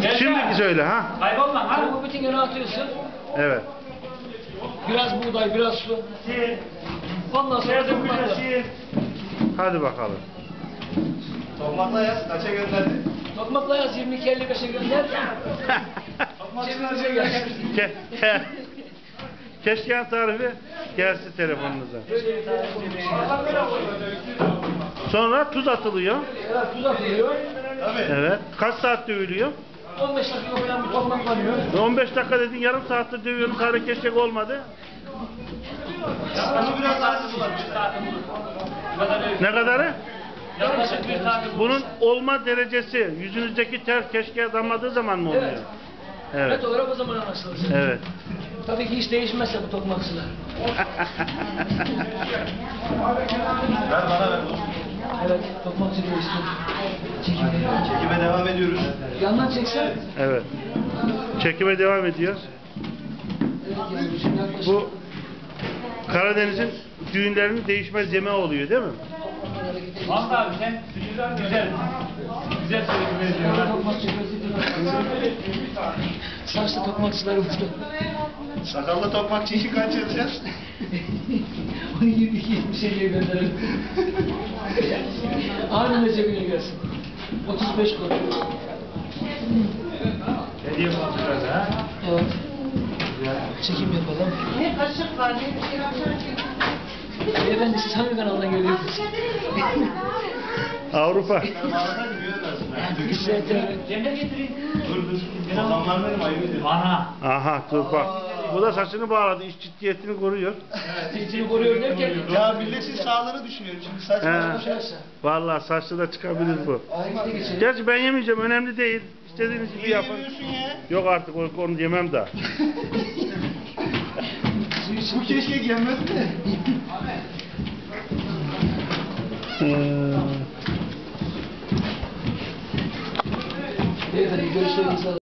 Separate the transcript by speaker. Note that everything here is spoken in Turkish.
Speaker 1: Şimdiki söyle ha.
Speaker 2: Kaybolma ha. Bu bütün yere atıyorsun.
Speaker 1: Evet.
Speaker 2: Biraz buğday, biraz su. Ondan sonra tokmakla.
Speaker 1: Hadi bakalım.
Speaker 3: Tokmakla yaz, kaça gönderdi?
Speaker 2: Tokmakla yaz 22.55'e gönder. Cebimize gel.
Speaker 1: Keşke tarifi gelsin telefonunuza. Sonra tuz atılıyor.
Speaker 2: Evet, tuz atılıyor.
Speaker 1: Evet. Kaç saat dövülüyor?
Speaker 2: 15 dakika falan bir tokmaklanıyor.
Speaker 1: 15 dakika dedin, yarım saattir dövüyoruz, hala keşkek olmadı.
Speaker 3: Yaklaşık biraz saati var.
Speaker 1: Ne kadarı?
Speaker 2: Yaklaşık bir saat.
Speaker 1: Bunun olma derecesi yüzünüzdeki ter keşkeye damladığı zaman mı oluyor?
Speaker 2: Evet.
Speaker 1: Evet.
Speaker 2: Evet, olarak o zaman anlaşılır.
Speaker 1: Evet.
Speaker 2: Tabii ki hiç değişmezse bu tokmakçılar.
Speaker 3: Ver bana ver.
Speaker 2: Evet, tokmakçı değişti.
Speaker 3: Çekime devam ediyoruz.
Speaker 2: Yandan çeksen.
Speaker 1: Evet. Çekime devam ediyor. Bu Karadeniz'in düğünlerinin değişmez yemeği oluyor değil mi?
Speaker 4: Mahmut abi sen güzel. Güzel söyledin.
Speaker 2: Tokmakçı saçlı tokmakçılarımızda.
Speaker 3: Sakallı tokmakçı işi kaç yazacağız?
Speaker 2: Onu 22-70'e gönderelim. Anında cebine gelsin. 35 kuruş.
Speaker 4: Hediye kontrolü ha.
Speaker 2: Evet. Çekim yapalım.
Speaker 5: Ne kaşık var, ne bir şey var.
Speaker 2: Beyefendi siz hangi kanaldan geliyorsunuz?
Speaker 1: Avrupa.
Speaker 4: Cemre getireyim.
Speaker 3: Dur. Adamlar benim ayıp ediyor.
Speaker 4: Ana.
Speaker 1: Aha dur bak. Bu da saçını bağladı. İş ciddiyetini koruyor.
Speaker 2: Ciddini koruyor derken.
Speaker 3: Ya milletin sağlığını düşünüyorum şimdi saçma
Speaker 1: He.
Speaker 3: konuşuyorsa.
Speaker 1: Vallahi saçlı da çıkabilir bu.
Speaker 2: Ayakta geçelim.
Speaker 1: Gerçi ben yemeyeceğim. Önemli değil. İstediğiniz gibi
Speaker 3: Niye
Speaker 1: yapın.
Speaker 3: yemiyorsun ya?
Speaker 1: Yok artık onu yemem daha.
Speaker 3: Bu keşke yenmez mi?
Speaker 2: Beyefendi görüşlerinizi alın.